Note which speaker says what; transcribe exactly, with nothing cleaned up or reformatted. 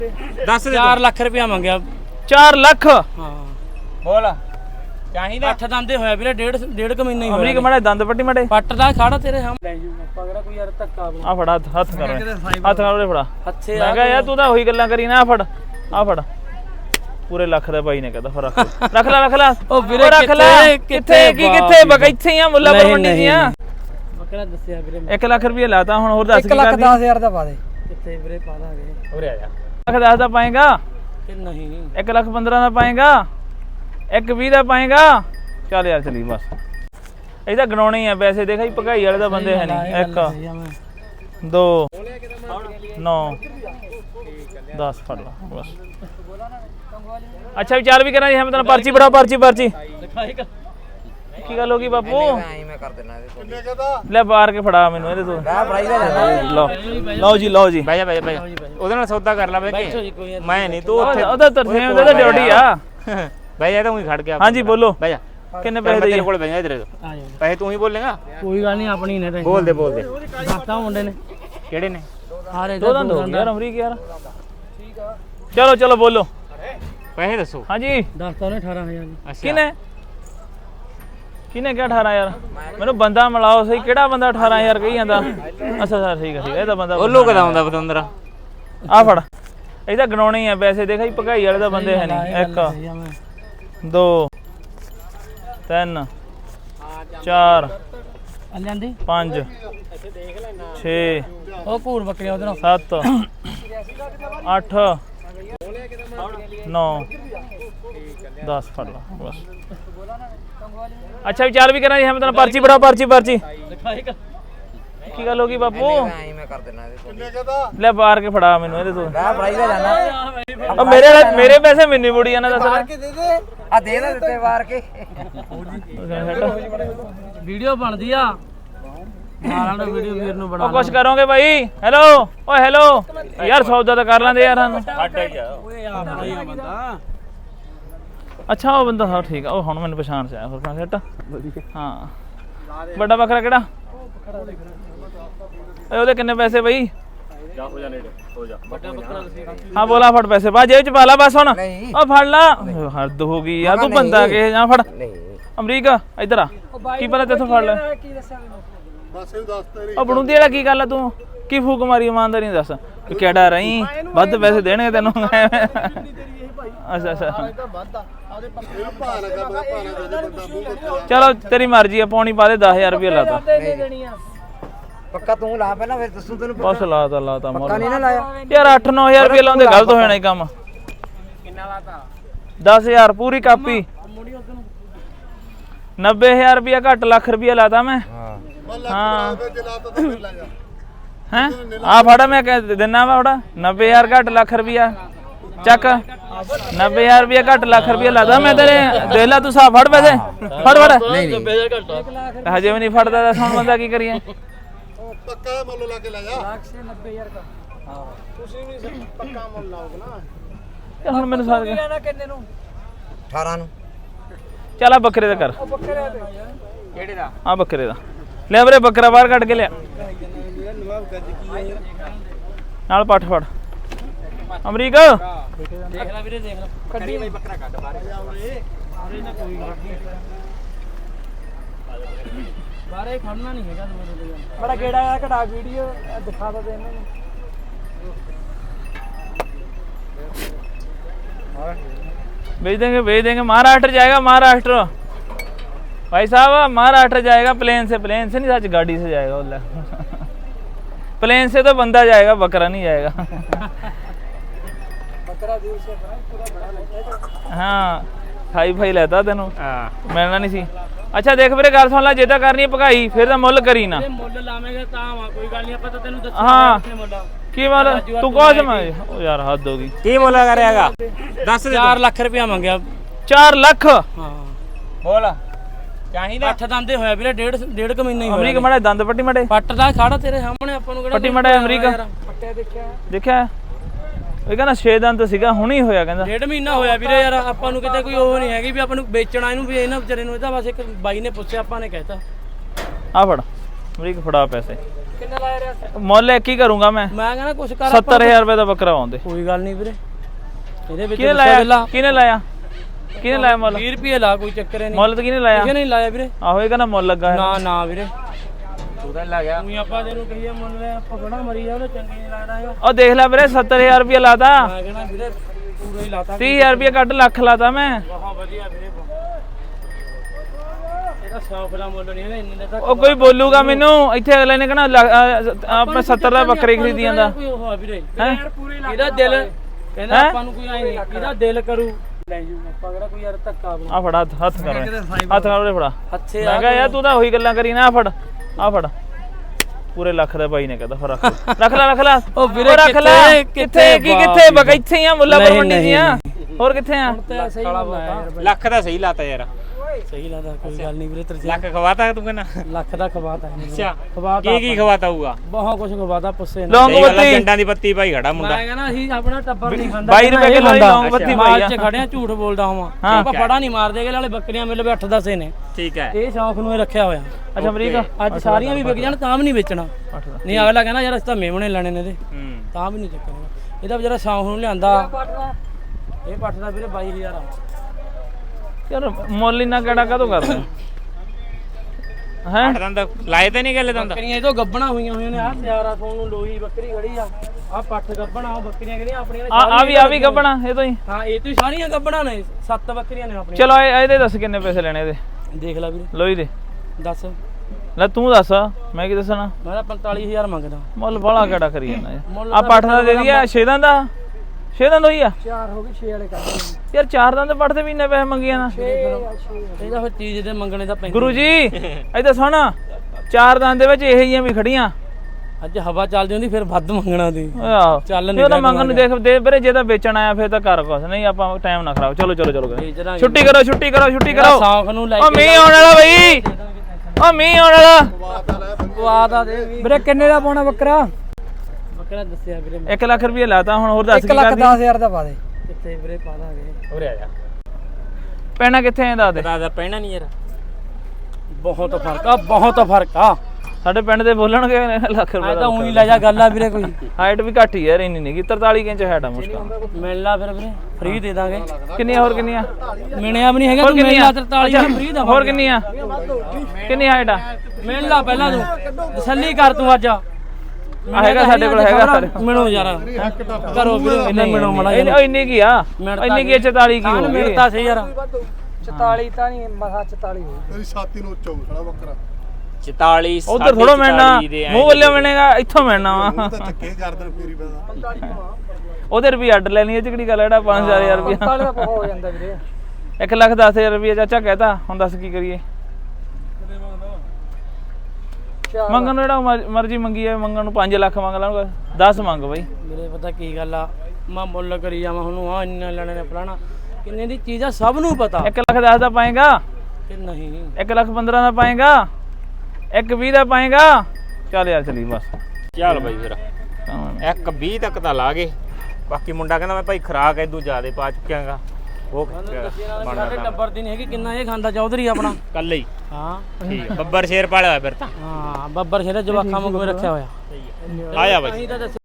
Speaker 1: दस
Speaker 2: चार लाख रुपया मंगया।
Speaker 3: चार लाख
Speaker 2: हाँ
Speaker 1: बोल चाहिदा
Speaker 2: अठ दंदे होया वीरे डेढ़ डेढ़ क महीना ही
Speaker 3: अमरीक मड़े दंद पट्टी मड़े
Speaker 2: पट्ट दा खाड़ा तेरे हम पगड़ा कोई यार धक्का
Speaker 3: आ फड़ा हथ कर हथ कर फड़ा
Speaker 2: हथे
Speaker 3: मैं कहा यार तू ਤਾਂ ਉਹੀ ਗੱਲਾਂ ਕਰੀ ਨਾ ਆ ਫੜ ਆ ਫੜ ਪੂਰੇ ਲੱਖ ਦਾ ਭਾਈ ਨੇ ਕਹਿੰਦਾ ਫਿਰ ਰੱਖ ਰੱਖ ਲੈ ਰੱਖ ਲੈ
Speaker 2: ਉਹ ਵੀਰੇ
Speaker 3: ਰੱਖ ਲੈ ਕਿੱਥੇ ਕੀ ਕਿੱਥੇ ਬਗੈਥੇ ਆ ਮੁੱਲਾ ਪਰ ਮੰਡੀ ਦੀਆਂ
Speaker 2: ਬੱਕਰਾ ਦੱਸਿਆ ਵੀਰੇ
Speaker 3: ਇੱਕ ਲੱਖ ਰੁਪਏ ਲਾਤਾ ਹੁਣ ਹੋਰ ਦੱਸ ਕੀ
Speaker 2: एक लाख
Speaker 3: ਕਰਦੀ
Speaker 2: दस हजार ਦਾ ਪਾ ਦੇ ਕਿੱਥੇ ਵੀਰੇ ਪਾ ਦਾਂਗੇ
Speaker 1: उरे आ जा
Speaker 3: ਲੱਖ ਦਸ ਦਾ ਪਾਏਗਾ
Speaker 2: ਕਿ ਨਹੀਂ
Speaker 3: ਇੱਕ ਲੱਖ ਪੰਦਰਾਂ ਦਾ ਪਾਏਗਾ ਇੱਕ ਵੀਹ ਦਾ ਪਾਏਗਾ ਚੱਲ ਯਾਰ ਚਲੀ ਬਸ ਇਹ ਤਾਂ ਗਣਾਉਣੇ ਆ ਪੈਸੇ ਦੇਖ ਹੀ ਭਗਾਈ ਵਾਲੇ ਦਾ ਬੰਦੇ ਹੈ ਨਹੀਂ ਇੱਕ ਦੋ ਨੌ ਦਸ ਫੜ ਲਾ ਬਸ ਅੱਛਾ ਵਿਚਾਰ ਵੀ ਕਰਾਂ ਜੀ ਮੈਂ ਤੈਨੂੰ ਪਰਚੀ ਬੜਾ ਪਰਚੀ ਪਰਚੀ ਕੀ ਗੱਲ ਹੋ ਗਈ ਬਾਪੂ
Speaker 4: ਮੈਂ ਕਰ ਦੇਣਾ ਇਹਦੇ ਕੋਲ
Speaker 3: ਲੈ ਬਾਹਰ ਕੇ ਫੜਾ ਮੈਨੂੰ ਇਹਦੇ ਤੋਂ
Speaker 4: ਮੈਂ ਫੜਾਈ ਦਾ
Speaker 3: ਲਓ ਲਓ ਜੀ ਲਓ ਜੀ
Speaker 1: ਬਹਿ ਜਾ ਬਹਿ ਜਾ ਬਹਿ ਜਾ ਉਹਦੇ ਨਾਲ ਸੌਦਾ ਕਰ ਲੈ ਬਹਿ ਕੇ ਮੈਂ ਨਹੀਂ ਤੂੰ ਉੱਥੇ
Speaker 3: ਉਹਦਾ ਤਰਸੇ ਉਹਦਾ ਤਾਂ ਡਿਊਟੀ ਆ
Speaker 1: ਬਹਿ ਜਾ ਤਾਂ ਉਹੀ ਖੜ ਗਿਆ
Speaker 3: ਹਾਂਜੀ ਬੋਲੋ
Speaker 1: ਬਹਿ ਜਾ
Speaker 3: ਕਿੰਨੇ ਪੈਸੇ
Speaker 1: ਤੇਰੇ
Speaker 3: ਦੇ
Speaker 1: ਕੋਲ ਬਹਿ ਜਾ ਇਧਰ
Speaker 2: ਆ ਜਾ
Speaker 1: ਪੈਸੇ ਤੂੰ ਹੀ ਬੋਲੇਗਾ
Speaker 2: ਕੋਈ ਗੱਲ ਨਹੀਂ ਆਪਣੀ ਨੇ ਤੇ
Speaker 1: ਬੋਲ ਦੇ ਬੋਲ ਦੇ
Speaker 2: ਦੱਸਤਾ ਮੁੰਡੇ ਨੇ
Speaker 1: ਕਿਹੜੇ ਨੇ
Speaker 2: ਹਾਰੇ
Speaker 3: ਦੋ ਦੰਦ ਹੋ ਗਏ ਯਾਰ ਅਮਰੀਕ ਯਾਰ ਠੀਕ ਆ ਚਲੋ ਚਲੋ ਬੋਲੋ
Speaker 1: ਪੈਸੇ ਦੱਸੋ
Speaker 3: ਹਾਂਜੀ
Speaker 2: ਦੱਸਤਾ ਉਹਨੇ ਅਠਾਰਾਂ ਹਜ਼ਾਰ ਦੀ
Speaker 1: ਅੱਛਾ
Speaker 3: ਕਿਨੇ ਕਿਨੇ ਕਿਹਾ ਅਠਾਰਾਂ ਹਜ਼ਾਰ ਮੈਨੂੰ ਬੰਦਾ ਮਿਲਾਓ ਸਹੀ ਕਿਹੜਾ ਬੰਦਾ ਅਠਾਰਾਂ ਹਜ਼ਾਰ ਕਹੀ ਜਾਂਦਾ ਅੱਛਾ ਸਰ ਠੀਕ ਹੈ ਠੀਕ ਹੈ ਇਹ ਤਾਂ ਬੰਦਾ
Speaker 1: ਉਹ ਲੋਕ ਦਾ ਆਉਂਦਾ ਬਤੰਦਰਾ
Speaker 3: ਆ ਫੜ ਇਹ ਤਾਂ ਗਣਾਉਣੇ ਆ ਪੈਸੇ ਦੇਖ ਹੀ ਭਗਾਈ ਵਾਲੇ ਦਾ ਬੰਦੇ ਹੈ ਨਹੀਂ ਇੱਕ ਦੋ ਤਿੰਨ ਚਾਰ
Speaker 2: ਲੈਂਦੀ
Speaker 3: ਪੰਜ ਛੇ
Speaker 2: ਉਹ ਘੂਰ ਬੱਕਰੇ ਉਹਦੇ ਨਾਲ
Speaker 3: ਸੱਤ ਅੱਠ ਨੌ ਦਸ ਫੜ ਲਾ ਬਸ ਅੱਛਾ ਵਿਚਾਰ ਵੀ ਕਰਾਂ ਜੀ ਮੈਂ ਤੈਨੂੰ ਪਰਚੀ ਬੜਾ ਪਰਚੀ ਪਰਚੀ ਕੀ ਗੱਲ ਹੋ ਗਈ ਬਾਪੂ
Speaker 4: ਮੈਂ ਕਰ ਦੇਣਾ ਇਹਦੇ ਕੋਲ
Speaker 3: ਲੈ ਬਾਹਰ ਕੇ ਫੜਾ ਮੈਨੂੰ ਇਹਦੇ ਤੋਂ
Speaker 4: ਮੈਂ ਫੜਾਈ ਦਾ ਜਾਣਾ
Speaker 3: ਉਹ ਮੇਰੇ ਮੇਰੇ ਪੈਸੇ ਮੈਨੂੰ ਮੁੜੀ ਜਾਣਾ ਦੱਸ
Speaker 4: ਕੇ ਦੇ ਦੇ ਆ ਦੇ ਦੇ ਦਿੱਤੇ ਵਾਰ ਕੇ
Speaker 2: ਵੀਡੀਓ ਬਣਦੀ ਆ ਮਾਰਾਂ ਦਾ ਵੀਡੀਓ ਵੀਰ ਨੂੰ ਬਣਾ
Speaker 3: ਉਹ ਕੁਛ ਕਰੋਗੇ ਭਾਈ ਹੈਲੋ ਓਏ ਹੈਲੋ ਯਾਰ ਸੌਦਾ ਤਾਂ ਕਰ ਲੈਂਦੇ ਯਾਰ ਸਾਨੂੰ
Speaker 2: ਓਏ ਆ ਭਾਈ ਆ ਬੰਦਾ
Speaker 3: ਅੱਛਾ ਉਹ ਬੰਦਾ ਹਾਂ ਠੀਕ ਆ ਉਹ ਹੁਣ ਮੈਨੂੰ ਪਛਾਣ ਚ ਆਇਆ ਹੋਰ ਕਾ ਸੈੱਟ ਹਾਂ ਵੱਡਾ ਬੱਕਰਾ ਕਿਹੜਾ ਓਏ ਉਹਦੇ ਕਿੰਨੇ ਪੈਸੇ ਬਈ
Speaker 1: ਜਾ ਹੋ ਜਾ ਨੇੜੇ ਹੋ ਜਾ
Speaker 2: ਵੱਡਾ ਬੱਕਰਾ
Speaker 3: ਹਾਂ ਬੋਲਾ ਫੜ ਪੈਸੇ ਬਾ ਜੇਬ ਚ ਪਾ ਲਾ ਬਸ ਹੁਣ
Speaker 4: ਨਹੀਂ
Speaker 3: ਉਹ ਫੜ ਲਾ ਹੱਦ ਹੋ ਗਈ ਯਾਰ ਤੂੰ ਬੰਦਾ ਕਿ ਜਾਂ ਫੜ
Speaker 4: ਨਹੀਂ
Speaker 3: ਅਮਰੀਕ ਇੱਧਰ ਆ ਕੀ ਪਤਾ ਤੇਥੋਂ ਫੜ ਲੈ
Speaker 2: ਕੀ ਦੱਸਾਂ
Speaker 5: ਬਸ ਇਹ ਦੱਸ ਤੇਰੀ
Speaker 3: ਉਹ ਬਣੂੰਦੀ ਵਾਲਾ ਕੀ ਗੱਲ ਆ ਤੂੰ ਕੀ ਫੂਕ ਮਾਰੀ ਇਮਾਨਦਾਰੀ ਨਹੀਂ ਦੱਸ ਕਿ ਕਿਹੜਾ ਰਹੀ ਵੱਧ ਪੈਸੇ ਦੇਣਗੇ ਤੈਨੂੰ ਅੱਛਾ ਅੱਛਾ
Speaker 5: ਇਹਨੂੰ ਭਾਣਾ ਕਰ ਭਾਣਾ ਕਰ ਬੰਦਾ ਮੂੰਹ ਬੱਚਾ
Speaker 3: ਚਲੋ ਤੇਰੀ ਮਰਜ਼ੀ ਆ ਪੌਣੀ ਪਾ ਦੇ ਦਸ ਹਜ਼ਾਰ ਰੁਪਏ ਲਾਤਾ
Speaker 2: ਦੇ ਦੇਣੀ ਆ
Speaker 4: ਪੱਕਾ ਤੂੰ ਲਾ ਪਹਿਲਾਂ ਫਿਰ ਦੱਸੂ ਤੈਨੂੰ
Speaker 3: ਬਸ ਲਾਤਾ ਲਾਤਾ
Speaker 4: ਪੱਕਾ ਨਹੀਂ ਨਾ ਲਾਇਆ
Speaker 3: ਯਾਰ ਅੱਠ ਨੌ ਹਜ਼ਾਰ ਰੁਪਏ ਲਾਉਂਦੇ ਗਲਤ ਹੋ ਜਾਣਾ ਇਹ ਕੰਮ ਕਿੰਨਾ ਲਾਤਾ ਦਸ ਹਜ਼ਾਰ ਪੂਰੀ ਕਾਪੀ ਨੱਬੇ ਹਜ਼ਾਰ ਰੁਪਏ ਘੱਟ ਲੱਖ ਰੁਪਏ ਲਾਤਾ ਮੈਂ
Speaker 4: ਹਾਂ
Speaker 3: ਹਾਂ
Speaker 5: ਜਲਾਤਾ ਤਾਂ ਫਿਰ ਲੈ ਜਾ
Speaker 3: ਹੈ ਆ ਫੜਾ ਮੈਂ ਕਹਿ ਦਿਨਾ ਵਾ ਫੜਾ ਨੱਬੇ ਹਜ਼ਾਰ ਘੱਟ ਲੱਖ ਰੁਪਿਆ ਚੱਕ ਨੱਬੇ ਹਜ਼ਾਰ ਰੁਪਿਆ ਘੱਟ ਲੱਖ ਰੁਪਿਆ ਲਾਦਾ ਮੈਂ ਤੇਰੇ ਦੇ ਲਾ ਤੂੰ ਸਾ ਫੜ ਪੈਸੇ ਫੜ ਫੜ
Speaker 4: ਨਹੀਂ ਨਹੀਂ
Speaker 3: ਹਜੇ ਵੀ ਨਹੀਂ ਫੜਦਾ ਦੱਸ ਹੁਣ ਬੰਦਾ ਕੀ ਕਰੀਏ
Speaker 5: ਪੱਕਾ ਮੁੱਲ ਲਾ ਕੇ ਲੈ ਜਾ
Speaker 2: ਲੱਖ ਸੇ ਨੱਬੇ ਹਜ਼ਾਰ ਦਾ ਹਾਂ
Speaker 5: ਤੁਸੀਂ ਵੀ ਪੱਕਾ ਮੁੱਲ ਲਾਓਗੇ ਨਾ
Speaker 3: ਤੇ ਹੁਣ ਮੈਨੂੰ ਸਾਰ
Speaker 2: ਲੈਣਾ ਕਿੰਨੇ ਨੂੰ
Speaker 4: ਅਠਾਰਾਂ ਨੂੰ
Speaker 3: ਚੱਲ ਆ ਬੱਕਰੇ ਦਾ ਕਰ
Speaker 2: ਬੱਕਰੇ ਦੇ
Speaker 1: ਕਿਹੜੇ ਦਾ
Speaker 3: ਆ ਬੱਕਰੇ ਦਾ ਲੈ ਵੀਰੇ ਬੱਕਰਾ ਬਾਹਰ ਕੱਢ ਕੇ ਲਿਆ ਨਾਲ ਪੱਠ ਫੜ ਅਮਰੀਕ
Speaker 2: ਦੇਖ ਲੈ ਵੀਰੇ ਦੇਖ ਲੈ ਕੱਢੀ ਬਈ ਬੱਕਰਾ ਕੱਢ ਬਾਹਰ ਬਾਰੇ ਖੜਨਾ ਨਹੀਂ ਹੈਗਾ ਤੂੰ ਬੜਾ ਗੇੜਾ ਆ ਘਟਾ ਵੀਡੀਓ ਦਿਖਾ ਦੋ ਇਹਨਾਂ ਨੂੰ
Speaker 3: भेज देंगे भेज देंगे महाराष्ट्र जाएगा महाराष्ट्र भाई साहब महाराष्ट्र जाएगा प्लेन से प्लेन से नहीं सच गाड़ी से जाएगा बोला प्लेन से तो बंदा जाएगा बकरा नहीं जाएगा
Speaker 2: बकरा दूर से पूरा बड़ा लगता है
Speaker 3: हाँ खाई फाई लेता तेन
Speaker 1: ਹਾਂ
Speaker 3: मिलना नहीं सी अच्छा देख मेरे गल सुन ला जे करनी है भगाई फिर तो मुल करी ना
Speaker 2: ਮੁੱਲ ਲਾਵੇਂਗਾ ਤਾਂ ਵਾ ਕੋਈ ਗੱਲ ਨਹੀਂ ਆਪਾਂ ਤਾਂ ਤੈਨੂੰ ਦੱਸਾਂ
Speaker 3: हाँ
Speaker 2: ਕਿੱਥੇ ਮੁੱਲ ਆ
Speaker 3: की माल तू कौन से मैं ओ यार हद होगी
Speaker 1: ਕੀ ਮੁੱਲ ਕਰਿਆਗਾ ਦੱਸ ਦੇ
Speaker 2: ਚਾਰ ਲੱਖ ਰੁਪਇਆ ਮੰਗਿਆ
Speaker 3: चार लाख
Speaker 2: ਹਾਂ
Speaker 1: ਬੋਲ ਚਾਹੀਦਾ
Speaker 2: ਅੱਠ ਦੰਦੇ ਹੋਇਆ ਵੀਰੇ ਡੇਢ ਡੇਢ ਕ ਮਹੀਨਾ ਹੀ
Speaker 3: अमरीक
Speaker 2: ਹੋਇਆ
Speaker 3: मड़े दंद पट्टी मड़े
Speaker 2: ਪੱਟ ਦਾ ਖਾੜਾ ਤੇਰੇ ਸਾਹਮਣੇ ਆਪਾਂ ਨੂੰ ਕਿਹੜਾ
Speaker 3: ਪੱਟੀ ਮੜਾ ਅਮਰੀਕਾ
Speaker 2: ਪੱਟਿਆ ਦੇਖਿਆ
Speaker 3: देखा ਇਹ ਕਹਿੰਦਾ ਛੇ ਦੰਦ ਸੀਗਾ ਹੁਣੀ ਹੋਇਆ ਕਹਿੰਦਾ
Speaker 2: ਡੇਢ ਮਹੀਨਾ ਹੋਇਆ ਵੀਰੇ ਯਾਰ ਆਪਾਂ ਨੂੰ ਕਿਤੇ ਕੋਈ ਉਹ ਨਹੀਂ ਹੈਗੀ ਵੀ ਆਪਾਂ ਨੂੰ ਵੇਚਣਾ ਇਹਨੂੰ ਵੀ ਇਹਨਾਂ ਵਿਚਾਰੇ ਨੂੰ ਇਹਦਾ ਬਸ ਇੱਕ ਬਾਈ ਨੇ ਪੁੱਛਿਆ ਆਪਾਂ ਨੇ ਕਹਿਤਾ
Speaker 3: ਆ ਫੜ ਅਮਰੀਕ ਫੜਾ ਪੈਸੇ
Speaker 2: ਕਿੰਨੇ ਲਾਇਆ ਰਿਹਾ
Speaker 3: ਮੁੱਲ ਇੱਕ ਹੀ ਕਰੂੰਗਾ ਮੈਂ
Speaker 2: ਮੈਂ ਕਹਿੰਦਾ ਕੁਛ ਕਰ
Speaker 3: ਸੱਤਰ ਹਜ਼ਾਰ ਰੁਪਏ ਦਾ ਬੱਕਰਾ ਆਉਂਦੇ।
Speaker 2: ਕੋਈ ਗੱਲ ਨਹੀਂ ਵੀਰੇ ਇਹਦੇ ਵਿੱਚ
Speaker 3: ਕਿਹਨੇ ਲਾਇਆ ਕਿਹਨੇ ਲਾਇਆ ਕਿਹਨੇ ਲਾਇਆ ਮੁੱਲ?
Speaker 2: ਵੀਹ ਰੁਪਏ ਲਾ ਕੋਈ ਚੱਕਰ ਨਹੀਂ।
Speaker 3: ਮੁੱਲ ਤਾਂ ਕਿਹਨੇ ਲਾਇਆ?
Speaker 2: ਕਿਸੇ ਨੇ ਲਾਇਆ ਵੀਰੇ।
Speaker 3: ਆਹੋ ਇਹ ਕਹਿੰਦਾ ਮੁੱਲ ਲੱਗਾ
Speaker 2: ਨਾ ਨਾ ਵੀਰੇ
Speaker 1: ਤੂੰ ਤਾਂ ਲੱਗ ਗਿਆ
Speaker 2: ਤੂੰ ਆਪਾਂ ਤੈਨੂੰ ਕਹੀਏ ਮੁੱਲ ਲੈ ਆਪਾਂ ਬੜਾ ਮਰੀ ਜਾ ਉਹਨੇ ਚੰਗੀ ਨਹੀਂ ਲੱਗਦਾ ਹੈਗਾ।
Speaker 3: ਉਹ ਦੇਖ ਲੈ ਵੀਰੇ ਸੱਤਰ ਹਜ਼ਾਰ ਰੁਪਏ ਲਾਤਾ।
Speaker 2: ਮੈਂ ਕਹਿੰਦਾ ਵੀਰੇ ਪੂਰਾ ਹੀ ਲਾਤਾ।
Speaker 3: ਤੀਹ ਹਜ਼ਾਰ ਰੁਪਏ ਕੱਢ ਲੱਖ ਲਾਤਾ ਮੈਂ।
Speaker 2: ਬਹੁਤ ਵਧੀਆ ਵੀਰੇ ਇਹਦਾ ਸੌ ਦਾ ਮੁੱਲ ਨਹੀਂ ਹੈਗਾ ਇੰਨੇ ਦਾ।
Speaker 3: ਉਹ ਕੋਈ ਬੋਲੂਗਾ ਮੈਨੂੰ ਇੱਥੇ ਅਗਲੇ ਨੇ ਕਹਣਾ ਆਪਾਂ ਸੱਤਰ ਦਾ ਬੱਕਰੇ ਖਰੀਦੀ ਜਾਂਦਾ।
Speaker 2: ਕੋਈ ਉਹ ਆ ਵੀਰੇ ਇਹਦਾ ਦਿਲ ਕਹਿੰਦਾ ਆਪਾਂ ਨੂੰ ਕੋਈ ਆਈ ਨਹੀਂ ਇਹਦਾ ਦਿਲ ਕਰੂ ਲੈ ਜੂ ਆਪਾਂ ਕਿਹੜਾ ਕੋਈ ਯਾਰ ਧੱਕਾ ਬਣਾ।
Speaker 3: ਆ ਫੜ ਹੱਥ ਹੱਥ ਕਰ ਹੱਥ ਕਰ ਉਹਦੇ ਫੜਾ।
Speaker 2: ਹੱਥੇ
Speaker 3: ਮੈਂ ਕਿਹਾ ਯਾਰ ਤੂੰ ਤਾਂ ਉਹੀ ਗੱਲਾਂ ਕਰੀ ਨਾ। ਆ ਫੜ ਆ ਫੜ ਪੂਰੇ ਲੱਖ ਦਾ ਬਾਈ ਨੇ ਕਹਿੰਦਾ ਫਿਰ ਰੱਖ ਰੱਖ ਲੈ ਰੱਖ ਲੈ
Speaker 2: ਉਹ ਵੀਰੇ
Speaker 3: ਰੱਖ ਲੈ
Speaker 2: ਕਿੱਥੇ
Speaker 3: ਕਿੱਥੇ ਕੀ ਕਿੱਥੇ ਬਕ ਇੱਥੇ ਹੀ ਆ ਮੁੱਲਾਪੁਰ ਮੰਡੀ ਦੀਆਂ ਹੋਰ ਕਿੱਥੇ ਆ?
Speaker 2: ਸਹੀ ਲਾਤਾ
Speaker 1: ਲੱਖ ਦਾ ਸਹੀ ਲਾਤਾ ਯਾਰ।
Speaker 2: ਸਹੀ ਲਾਤਾ ਕੋਈ ਗੱਲ ਨਹੀਂ ਵੀਰੇ ਤੇਰੇ
Speaker 1: ਲੱਖ ਖਵਾਤਾ ਤੂੰ ਕਹਿੰਦਾ?
Speaker 2: ਲੱਖ ਦਾ ਖਵਾਤਾ
Speaker 1: ਅੱਛਾ
Speaker 2: ਖਵਾਤਾ
Speaker 1: ਕੀ ਕੀ ਖਵਾਤਾ ਹੋਊਗਾ?
Speaker 2: ਬਹੁਤ ਕੁਝ ਖਵਾਤਾ ਪੁੱਸੇ ਨੇ।
Speaker 3: ਲੌਂਗ
Speaker 1: ਸਹੀ ਗੱਲ ਆ,
Speaker 3: ਬੱਤੀ
Speaker 1: ਜੰਡਾਂ ਦੀ ਪੱਤੀ ਭਾਈ ਖੜਾ ਮੁੰਡਾ।
Speaker 2: ਮੈਂ ਕਹਿੰਦਾ ਅਸੀਂ ਆਪਣਾ ਟੱਬਰ ਨਹੀਂ ਖਾਂਦਾ
Speaker 3: ਬਾਈ ਰੁਪਏ ਕਿਲੋ ਦੀ ਲੌਂਗ ਬੱਤੀ
Speaker 2: ਮਾਲ
Speaker 3: ਪਾਈ
Speaker 2: ਚ
Speaker 3: ਆ।
Speaker 2: ਖੜਿਆ ਝੂਠ ਬੋਲਦਾ ਹਾਂ ਆਪਾਂ ਫੜਾ ਨਹੀਂ ਮਾਰਦੇ ਨਾਲੇ ਬੱਕਰੀਆਂ ਮਿਲ ਵੀ ਅੱਠ ਦਸ ਨੇ।
Speaker 1: ਠੀਕ ਹੈ
Speaker 2: ਇਹ ਸ਼ੌਂਕ ਨੂੰ ਇਹ ਰੱਖਿਆ ਹੋਇਆ।
Speaker 3: ਅੱਛਾ ਅਮਰੀਕ
Speaker 2: ਅੱਜ ਸਾਰੀਆਂ ਵੀ ਵਿਕ ਜਾਣ ਤਾਂ ਵੀ ਨਹੀਂ ਵੇਚਣਾ। ਨਹੀਂ ਅਗਲਾ ਕਹਿੰਦਾ ਯਾਰ ਅਸੀਂ ਤਾਂ ਮੇਮਣੇ ਲੈਣੇ ਨੇ ਇਹਦੇ
Speaker 1: ਹੂੰ
Speaker 2: ਤਾਂ ਵੀ ਨਹੀਂ ਚੱਕਣਾ। ਇਹਦਾ ਵਿਚਾਰਾ ਸ਼ੌਂਕ ਨੂੰ ਲਿਆਂਦਾ। ਇਹ ਪੱਠ ਦਾ ਵੀਰੇ ਬਾਈ ਹਜ਼ਾਰ ਆ।
Speaker 3: ਯਾਰ ਮੁੱਲ ਇੰਨਾ ਕਿਹੜਾ ਕਾਹਤੋਂ ਕਰਦੇ ਹੈ?
Speaker 1: ਅੱਠ ਦੰਦ ਲਾਏ ਤੇ ਨਹੀਂ ਗੱਲੇ ਦੰਦ?
Speaker 2: ਬੱਕਰੀਆਂ ਇਹ ਤੋਂ ਗੱਬਣਾ ਹੋਈਆਂ ਹੋਈਆਂ ਨੇ। ਆਹ ਸਿਆਰਾ ਸੋਨ ਨੂੰ ਲੋਹੀ ਬੱਕਰੀ ਖੜੀ ਆ। ਆਹ ਪੱਠ ਗੱਬਣਾ ਉਹ ਬੱਕਰੀਆਂ ਕਿਹੜੀਆਂ ਆਪਣੀਆਂ ਨੇ।
Speaker 3: ਆ ਆ ਵੀ ਆ ਵੀ ਗੱਬਣਾ ਇਹ ਤੋਂ ਹੀ।
Speaker 2: ਹਾਂ ਇਹ ਤੋਂ ਹੀ ਸਾਰੀਆਂ ਗੱਬਣਾ ਨੇ। ਸੱਤ ਬੱਕਰੀਆਂ ਨੇ ਆਪਣੀਆਂ।
Speaker 3: ਚਲੋ ਇਹ- ਇਹਦੇ ਦੱਸ ਕਿੰਨੇ ਪੈਸੇ ਲੈਣੇ ਇਹਦੇ
Speaker 2: ਦੇਖ ਲੈ ਵੀਰੇ
Speaker 3: ਲੋਈ ਦੇ।
Speaker 2: ਦੱਸ
Speaker 3: ਲੈ ਤੂੰ ਦੱਸ ਮੈਂ ਕੀ ਦੱਸਣਾ?
Speaker 2: ਮੈਂ ਤਾਂ ਪੰਤਾਲੀ ਹਜ਼ਾਰ ਮੰਗਦਾ।
Speaker 3: ਮੁੱਲ ਬਾਲਾ ਕਿਹੜਾ ਕਰੀ ਜਾਂਦਾ
Speaker 2: ਮੁੱਲ
Speaker 3: ਯਾਰ? ਆ ਪੱਠ ਦਾ ਦੇ ਦਈਏ ਛੇਦਾਂ ਦਾ ਛੇਦਾਂ ਦਾ ਹੀ ਆ
Speaker 2: ਚਾਰ ਹੋ ਗਏ ਛੇ ਵਾਲੇ ਕਰ
Speaker 3: ਯਾਰ। ਚਾਰ ਦੰਦ ਪੱਠ ਤੇ ਵੀ ਇੰਨੇ ਪੈਸੇ ਮੰਗੀਆਂ ਨਾ।
Speaker 2: ਇਹਦਾ ਫਿਰ ਚੀਜ਼ ਦੇ ਮੰਗਣੇ ਤਾਂ ਪੈਂਦੇ।
Speaker 3: ਗੁਰੂ ਜੀ ਇੱਧਰ ਸੁਣ ਚਾਰ ਦੰਦ ਦੇ ਵਿੱਚ ਇਹੋ ਜਿਹੀਆਂ ਵੀ ਖੜੀਆਂ।
Speaker 2: ਅੱਜ ਹਵਾ ਚੱਲਦੀ ਹੁੰਦੀ ਫਿਰ ਵੱਧ ਮੰਗਣਾ ਦੀ।
Speaker 3: ਆਹੋ
Speaker 2: ਚੱਲ
Speaker 3: ਨਹੀਂ ਉਹ ਤਾਂ ਮੰਗਣ ਨੂੰ ਦੇਖ ਦੇ ਵੀਰੇ ਜੇ ਤਾਂ ਵੇਚਣ ਆਇਆ ਫਿਰ ਤਾਂ ਕਰ ਕੁਛ ਨਹੀਂ। ਆਪਾਂ ਟਾਈਮ ਨਾ ਖਰਾਬ। ਚਲੋ ਚਲੋ ਚਲੋ
Speaker 2: ਵੇਚਣਾ
Speaker 3: ਛੁੱਟੀ ਕਰੋ ਛੁੱਟੀ ਕਰੋ ਛੁੱਟੀ ਕਰੋ।
Speaker 2: ਸ਼ੌਂਕ ਨੂੰ ਲੈ
Speaker 3: ਓ ਮੀਂਹ ਆਉਣ ਵਾਲਾ ਬਈ ਓ ਮੀਂਹ ਆਉਣ ਵਾਲਾ।
Speaker 2: ਪਵਾ ਦਾ ਦੇ ਵੀਰੇ ਕਿੰਨੇ ਦਾ ਪਾਉਣਾ ਬੱਕਰਾ? ਬੱਕਰਾ ਦੱਸਿਆ ਵੀਰੇ
Speaker 3: ਇੱਕ ਲੱਖ ਰੁਪਏ ਲਾਤਾ ਹੁਣ ਹੋਰ ਦੱਸ ਕੀ ਕਰਦੀ?
Speaker 2: ਦਸ ਹਜ਼ਾਰ ਦਾ ਪਾ ਦੇ। ਕਿੱਥੇ ਵੀਰੇ ਪਾ ਦਾਂਗੇ।
Speaker 1: ਉਰੇ ਆ ਜਾ।
Speaker 3: ਪੈਣਾ ਕਿੱਥੇ ਐ ਦੱਸ ਦੇ।
Speaker 1: ਦਾਦਾ ਪੈਣਾ ਨਹੀਂ ਯਾਰ।
Speaker 2: ਬਹੁਤ ਫਰਕ ਆ ਬਹੁਤ ਫਰਕ ਆ।
Speaker 3: ਸਾਡੇ ਪਿੰਡ ਦੇ ਬੋਲਣਗੇ ਲੱਖ ਰੁਪਏ
Speaker 2: ਮੈਂ
Speaker 3: ਦਾ।
Speaker 2: ਤਾਂ ਉਹੀ ਲੈ ਜਾ ਗੱਲ ਆ ਵੀਰੇ ਕੋਈ।
Speaker 3: ਹਾਈਟ ਵੀ ਘੱਟ ਹੀ ਯਾਰ ਇੰਨੀ ਨਹੀਂ ਤਰਤਾਲੀ ਇੰਚ ਹਾਈਟ ਆ ਮੁਸ਼ਕਲ।
Speaker 2: ਮਿਲ ਲਾ ਫਿਰ ਵੀਰੇ ਫ੍ਰੀ ਦੇ ਦਾਂਗੇ।
Speaker 3: ਕਿੰਨੀਆਂ ਹੋਰ ਕਿੰਨੀਆਂ
Speaker 2: ਮਿਣਿਆ ਵੀ ਨਹੀਂ ਹੈਗਾ
Speaker 3: ਹੋਰ
Speaker 2: ਤੂੰ ਮਿਲ
Speaker 3: ਕਿੰਨੀਆਂ?
Speaker 2: ਲਾ ਤਰਤਾਲੀ ਦਾ ਫ੍ਰੀ ਦਾ।
Speaker 3: ਹੋਰ ਕਿੰਨੀਆਂ ਕਿੰਨੀ ਹਾਈਟ ਆ?
Speaker 2: ਮਿਲ ਲਾ ਪਹਿਲਾਂ ਤੂੰ ਤਸੱਲੀ ਕਰ ਤੂੰ ਅੱਜ।
Speaker 3: ਆ ਹੈਗਾ ਸਾਡੇ ਕੋਲ ਹੈਗਾ ਸਾਰੇ।
Speaker 2: ਮਿਣੋ ਯਾਰ ਕਰੋ ਵੀਰੇ ਇੰਨੇ ਮਿਣੋ ਮੜਾ
Speaker 3: ਇਹ ਇੰਨੀ ਕੀ ਆ ਇੰਨੀ ਕੀ ਚਤਾਲੀ ਕੀ ਹੋ ਗਈ?
Speaker 2: ਮਿਲਤਾ ਸੀ ਯਾਰ ਚਤਾਲੀ ਤਾਂ ਨਹੀਂ ਮਸਾ ਚਤਾਲੀ ਹੋ
Speaker 5: ਤੇਰੀ ਛਾਤੀ ਨੂੰ ਉੱਚਾ ਖੜਾ ਬੱਕਰਾ
Speaker 1: ਚਤਾਲੀ
Speaker 3: ਉਧਰ ਥੋੜਾ ਮਿਲਣਾ ਮੂੰਹ ਵੱਲੇ ਮਿਲੇਗਾ ਇੱਥੋਂ ਮਿਲਣਾ ਵਾ।
Speaker 5: ਤਾਂ ਚੱਕੇ ਗਰਦਨ ਪੂਰੀ ਪੈਦਾ
Speaker 3: ਉਹਦੇ ਰੁਪਏ ਅੱਡ ਲੈਣੀ ਇਹ ਚ ਕਿਹੜੀ ਗੱਲ ਆ? ਜਿਹੜਾ ਪੰਜ ਹਜ਼ਾਰ ਰੁਪਏ
Speaker 2: ਚਤਾਲੀ ਦਾ ਹੋ ਜਾਂਦਾ ਵੀਰੇ।
Speaker 3: ਇੱਕ ਲੱਖ ਦਸ ਹਜ਼ਾਰ ਰੁਪਏ ਚਾਚਾ ਕਹਿਤਾ ਹੁਣ ਦੱਸ ਕੀ ਕਰੀਏ? ਮੰਗਣ ਨੂੰ ਜਿਹੜਾ ਮਰ- ਮਰਜ਼ੀ ਮੰਗੀ ਜਾਵੇ ਮੰਗਣ ਨੂੰ ਪੰਜ ਲੱਖ ਮੰਗ ਲਾਂਗਾ ਦਸ ਮੰਗ ਬਈ।
Speaker 2: ਮੇਰੇ ਪਤਾ ਕੀ ਗੱਲ ਆ ਮੈਂ ਮੁੱਲ ਕਰੀ ਜਾਵਾਂ ਹੁਣ ਆ ਇੰਨਾ ਲੈਣੇ ਨੇ ਫਲਾਣਾ ਕਿੰਨੇ ਦੀ ਚੀਜ਼ ਆ ਸਭ ਨੂੰ ਪਤਾ।
Speaker 3: ਇੱਕ ਲੱਖ ਦਸ ਦਾ ਪਾਏਗਾ
Speaker 2: ਕਿ ਨਹੀਂ
Speaker 3: ਇੱਕ ਲੱਖ ਪੰਦਰਾਂ ਦਾ ਪਾਏਗਾ ਇੱਕ ਵੀਹ ਦਾ ਪਾਏਗਾ। ਚੱਲ ਯਾਰ ਚਲੀ ਬਸ
Speaker 1: ਚੱਲ ਬਾਈ ਫਿਰ
Speaker 3: ਕੰਮ
Speaker 1: ਇੱਕ ਵੀਹ ਤੱਕ ਤਾਂ ਲਾ ਗਏ। ਬਾਕੀ ਮੁੰਡਾ ਕਹਿੰਦਾ ਮੈਂ ਭਾਈ ਖਰਾਕ ਇਦੋਂ ਜ਼ਿਆਦੇ ਪਾ ਚੁੱਕਿਆਗਾ। ਉਹ
Speaker 2: ਸਾਡੇ ਟੱਬਰ ਦੀ ਨਹੀਂ ਹੈਗੀ ਕਿੰਨਾ ਇਹ ਖਾਂਦਾ ਚੌਧਰੀ ਆਪਣਾ
Speaker 1: ਕੱਲੇ ਹੀ।
Speaker 2: ਹਾਂ
Speaker 1: ਠੀਕ ਬੱਬਰ ਸ਼ੇਰ ਪਾਲਿਆ ਹੋਇਆ ਫਿਰ ਤਾਂ।
Speaker 2: ਹਾਂ ਬੱਬਰ ਸ਼ੇਰ ਜਵਾਖਾਂ ਵਾਂਗੂ ਰੱਖਿਆ ਹੋਇਆ।
Speaker 1: ਆਇਆ ਬਾਈ।